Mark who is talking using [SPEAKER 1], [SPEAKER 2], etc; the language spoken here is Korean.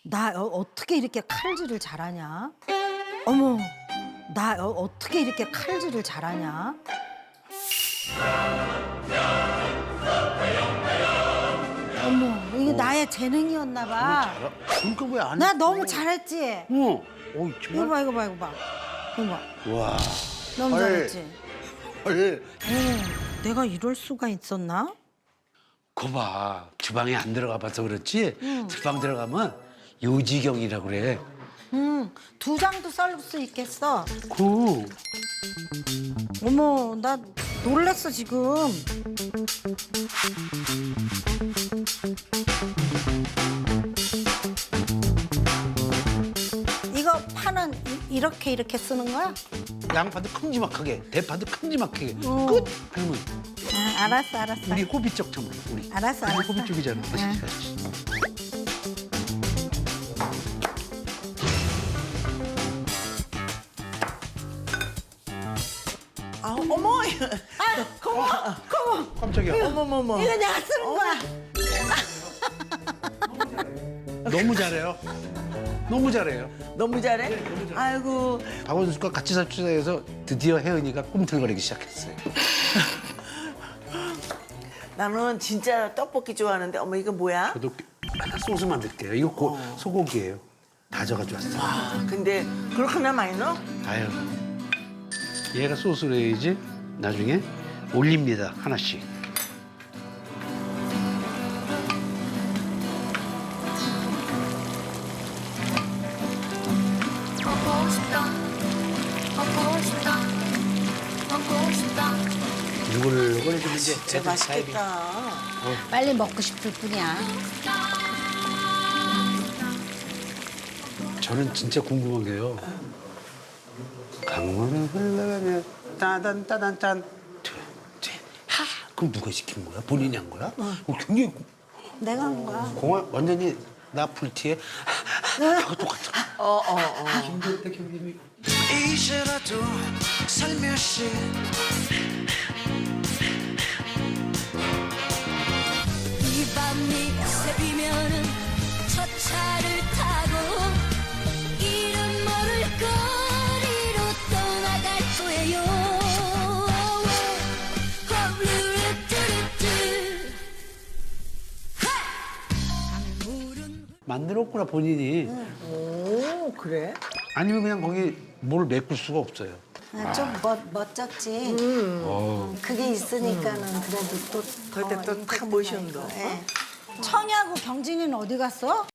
[SPEAKER 1] 나 어떻게 이렇게 칼질을 잘하냐? 어머, 나 어떻게 이렇게 칼질을 잘하냐? 어머, 이게 나의 재능이었나 봐.
[SPEAKER 2] 그러니까 왜 안?
[SPEAKER 1] 나 너무 잘했지?
[SPEAKER 2] 어. 어
[SPEAKER 1] 이거
[SPEAKER 2] 정말.
[SPEAKER 1] 봐, 이거 봐, 이거 봐. 이거 봐.
[SPEAKER 2] 와.
[SPEAKER 1] 너무
[SPEAKER 2] 헐.
[SPEAKER 1] 잘했지?
[SPEAKER 2] 헐.
[SPEAKER 1] 내가 이럴 수가 있었나?
[SPEAKER 2] 거 봐. 주방에 안 들어가 봐서 그렇지. 주방 들어가면 요지경이라고 그래.
[SPEAKER 1] 두 장도 썰 수 있겠어.
[SPEAKER 2] 그.
[SPEAKER 1] 어머, 나 놀랬어, 지금. 이거 파는 이렇게 쓰는 거야?
[SPEAKER 2] 양파도 큼지막하게, 대파도 큼지막하게.
[SPEAKER 1] 어.
[SPEAKER 2] 끝. 그러면
[SPEAKER 1] 아, 알았어.
[SPEAKER 2] 우리 호비 쪽처럼 우리.
[SPEAKER 1] 알았어.
[SPEAKER 2] 우리 호비 쪽이잖아.
[SPEAKER 3] 아, 어머!
[SPEAKER 2] 깜짝이야.
[SPEAKER 3] 어머머머.
[SPEAKER 1] 이거 내가 쓰는 거야.
[SPEAKER 2] 너무 잘해요. 너무 잘해요.
[SPEAKER 3] 너무 잘해? 아이고,
[SPEAKER 2] 박원순과 같이 삽시다해서 드디어 혜은이가 꿈틀거리기 시작했어요.
[SPEAKER 3] 나는 진짜 떡볶이 좋아하는데, 어머, 이거 뭐야?
[SPEAKER 2] 저도 소스 만들게요. 이거 소고기예요. 다져가지고 왔어요.
[SPEAKER 3] 아, 근데 그렇게나 많이 넣어?
[SPEAKER 2] 아유, 얘가 소스를 해야지 나중에 올립니다. 하나씩.
[SPEAKER 4] 먹고 싶다 먹고 싶다 먹고 싶다
[SPEAKER 2] 누굴 좀 이제
[SPEAKER 3] 진짜
[SPEAKER 2] 애들 사이비.
[SPEAKER 3] 맛있겠다.
[SPEAKER 1] 빨리 먹고 싶을 뿐이야.
[SPEAKER 2] 저는 진짜 궁금한 게요. 강물을 흘러가며 따단따단짠 하 그럼 누가 시킨 거야? 본인이 한 거야? 굉장히
[SPEAKER 1] 내가 한 거야.
[SPEAKER 2] 공화 완전히 나 풀티에 하고 똑같아. 힘들다 경림이.
[SPEAKER 5] 이제라도 살며시
[SPEAKER 4] 이 밤이 새비면은 첫 차를 타고 이름 모를 거리로 떠나갈 거예요 강물은
[SPEAKER 2] 만들었구나 본인이.
[SPEAKER 3] 오, 그래?
[SPEAKER 2] 아니면 그냥 거기 뭘 메꿀 수가 없어요.
[SPEAKER 1] 좀 멋졌지. 그게 있으니까는 그래도 또
[SPEAKER 3] 그때 또 탁 모셔온 거.
[SPEAKER 1] 청이하고 경진이는 어디 갔어?